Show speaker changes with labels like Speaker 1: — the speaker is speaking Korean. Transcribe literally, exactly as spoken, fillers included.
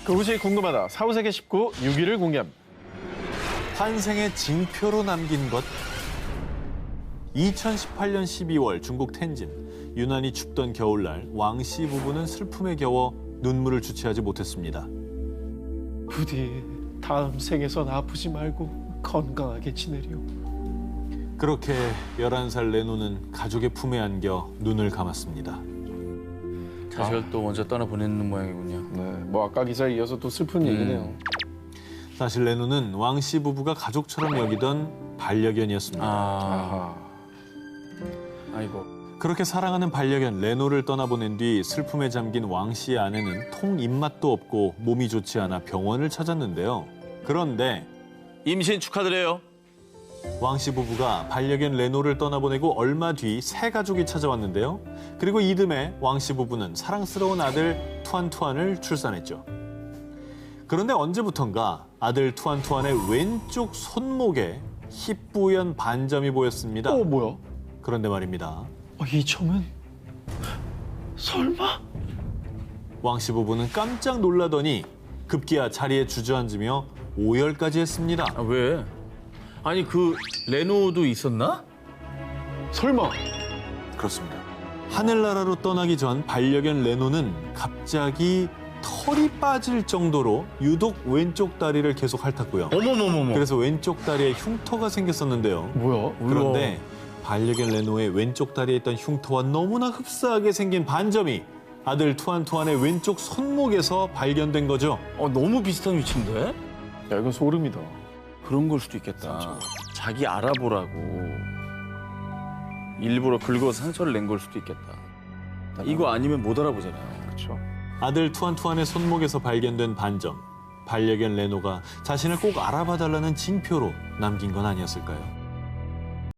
Speaker 1: 그것이 궁금하다. 사후세계 십구 육 위를 공개합니다.
Speaker 2: 환생의 징표로 남긴 것. 이천십팔 년 십이월 중국 텐진. 유난히 춥던 겨울날 왕씨 부부는 슬픔에 겨워 눈물을 주체하지 못했습니다.
Speaker 1: 부디 다음 생에선 아프지 말고 건강하게 지내려.
Speaker 2: 그렇게 열한 살 레노는 가족의 품에 안겨 눈을 감았습니다.
Speaker 3: 자식을 아. 또 먼저 떠나보내는 모양이군요.
Speaker 1: 네, 뭐 아까 기사에 이어서 또 슬픈 음. 얘기네요.
Speaker 2: 사실 레노는 왕씨 부부가 가족처럼 여기던 반려견이었습니다.
Speaker 3: 아. 아이고.
Speaker 2: 그렇게 사랑하는 반려견 레노를 떠나보낸 뒤 슬픔에 잠긴 왕씨의 아내는 통 입맛도 없고 몸이 좋지 않아 병원을 찾았는데요. 그런데
Speaker 3: 임신 축하드려요.
Speaker 2: 왕씨 부부가 반려견 레노를 떠나보내고 얼마 뒤 새 가족이 찾아왔는데요. 그리고 이듬해 왕씨 부부는 사랑스러운 아들 투안투안을 출산했죠. 그런데 언제부턴가 아들 투안투안의 왼쪽 손목에 희뿌연 반점이 보였습니다.
Speaker 1: 어, 뭐야?
Speaker 2: 그런데 말입니다.
Speaker 1: 어, 이 점은 설마?
Speaker 2: 왕씨 부부는 깜짝 놀라더니 급기야 자리에 주저앉으며 오열까지 했습니다.
Speaker 3: 아, 왜? 아니, 그 레노도 있었나?
Speaker 1: 설마?
Speaker 2: 그렇습니다. 하늘나라로 떠나기 전 반려견 레노는 갑자기 털이 빠질 정도로 유독 왼쪽 다리를 계속 핥았고요.
Speaker 3: 어머머머머.
Speaker 2: 그래서 왼쪽 다리에 흉터가 생겼었는데요.
Speaker 1: 뭐야?
Speaker 2: 그런데 반려견 레노의 왼쪽 다리에 있던 흉터와 너무나 흡사하게 생긴 반점이 아들 투안투안의 왼쪽 손목에서 발견된 거죠.
Speaker 3: 어, 너무 비슷한 위치인데?
Speaker 1: 야, 이건 소름이다.
Speaker 3: 그런 걸 수도 있겠다. 자기 알아보라고 일부러 긁어서 상처를 낸 걸 수도 있겠다. 이거 아니면 못 알아보잖아요.
Speaker 1: 그렇죠.
Speaker 2: 아들 투안투안의 손목에서 발견된 반점. 반려견 레노가 자신을 꼭 알아봐달라는 징표로 남긴 건 아니었을까요?